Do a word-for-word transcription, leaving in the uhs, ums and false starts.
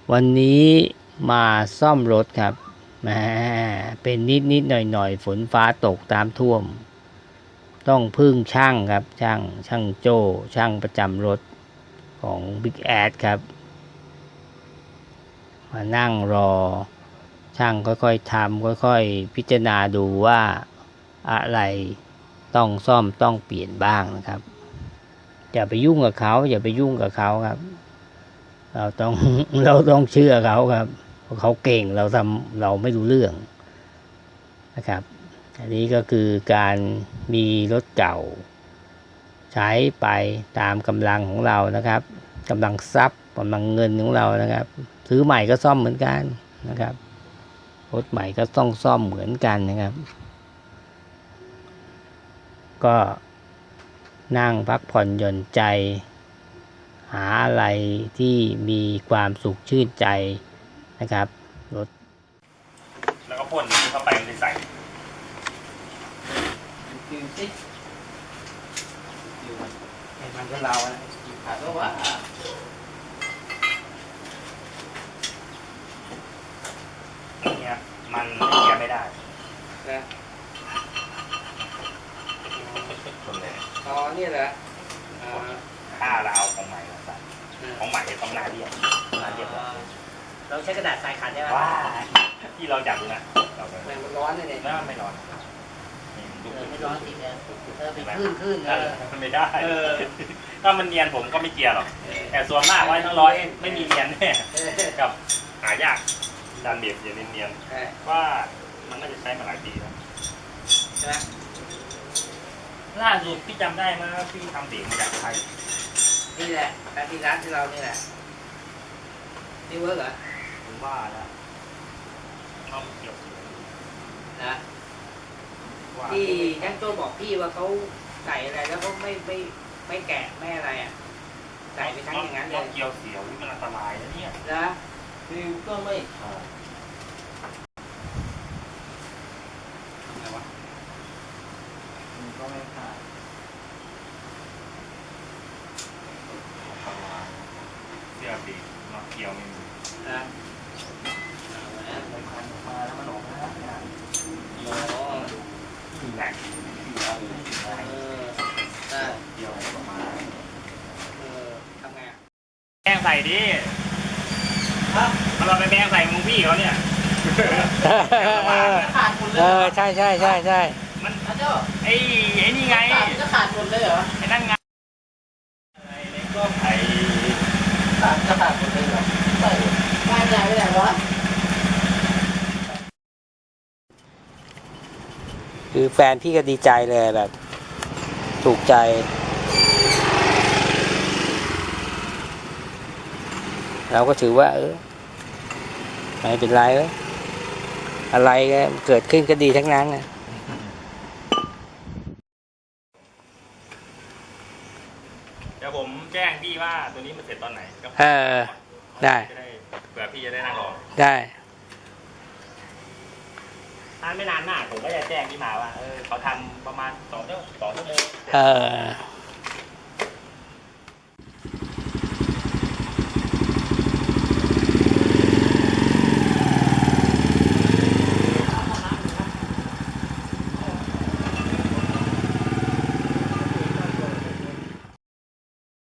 วันนี้มาซ่อมรถครับแหมเป็นนิดนิดหน่อยหน่อยฝนฟ้าตกตามท่วมต้องพึ่งช่างครับช่างช่างโจ้ช่างประจำรถของบิ๊กแอดครับมานั่งรอช่างค่อยๆทำค่อยๆพิจารณาดูว่าอะไรต้องซ่อมต้องเปลี่ยนบ้างนะครับอย่าไปยุ่งกับเขาอย่าไปยุ่งกับเขาครับเราต้อง เราต้องเชื่อเขาครับเพราะเขาเก่งเราทำเราไม่รู้เรื่องนะครับอันนี้ก็คือการมีรถเก่าใช้ไปตามกำลังของเรานะครับกำลังทรัพย์กำลังเงินของเรานะครับซื้อใหม่ก็ซ่อมเหมือนกันนะครับรถใหม่ก็ต้องซ่อมเหมือนกันนะครับก็นั่งพักผ่อนหย่อนใจหาอะไรที่มีความสุขชื่นใจนะครับรถแล้วก็พ่นเข้าไปมันจะใส่ดูสิไอ้มันก็เราอะขาดก็ว่าเนี่ยมันไม่เกียร์ไม่ได้นะคนเลยอ๋อนี่แหละถ้าเราเอาของใหม่มาใส่ของใหม่จะต้องหน้าเรียบหน้าเรียบเราใช้กระดาษทรายขัดได้ไหมว้าที่เราอยากดูนะเรามันร้อนเลยเนี่ยไม่ร้อนไม่ร้อนจริงนะเออไปขึ้นขึ้นเออมันไม่ได้ถ้ามันเนียนผมก็ไม่เกียร์หรอกแต่ส่วนมากร้อยทั้งร้อยไม่มีเนียนแน่กับหายากดันเบียดอย่างเนียนๆว่ามันน่าจะใช้มาหลายปีแล้วใช่ไหมล่าสุดพี่จำได้ไหมพี่ทำเสียงมาจากไทยนี่แหละการที่ร้านที่เรานี่แหละนี่เวิร์กเหรอผมว่าแล้วต้องเกี่ยวนะที่ช่างโจ้บอกพี่ว่าเขาใส่อะไรแล้วเขาไม่ไม่ไม่แกะไม่อะไรอ่ะใส่ไปทั้งอย่างนั้นเลยเกี่ยวเสียวนี่มันอันตรายนะเนี่ยนะฟิวก็ไม่ขาดอะไรวะมันก็ไม่ขาดเสื้อปีกมาเกี่ยวไม่มีนะมันพันออกมาแล้วมันออกมาแล้วเนี่ยอ๋อแหลกเออได้เกี่ยวออกมาเออทำไงอ่ะแป้งใส่ดิครับเราไปแป้งใส่มึงพี่เขาเนี่ยขาดหมดเลยเออใช่ใช่ใช่ใช่มันไอ้ไอ้นี่ไงจะขาดหมดเลยเหรอไอ้นั่นไงไอ้เล็กก็ไอ้ขาดจะขาดหมดเลยเหรอใส่บ้านใหญ่ไปไหนวะคือแฟนพี่ก็ดีใจเลยแบบถูกใจเราก็ถือว่าเออไม่เป็นไรเว้ยอะไรก็เกิดขึ้นก็ดีทั้งนั้นนะเดี๋ยวผมแจ้งพี่ว่าตัวนี้มันเสร็จตอนไหนก็เออได้เผื่อพี่จะได้นั่งรอได้ถ้าไม่นานมากผมก็จะแจ้งพี่มาว่าเออเขาทำประมาณสองชั่วโมงสองชั่วโมงเออ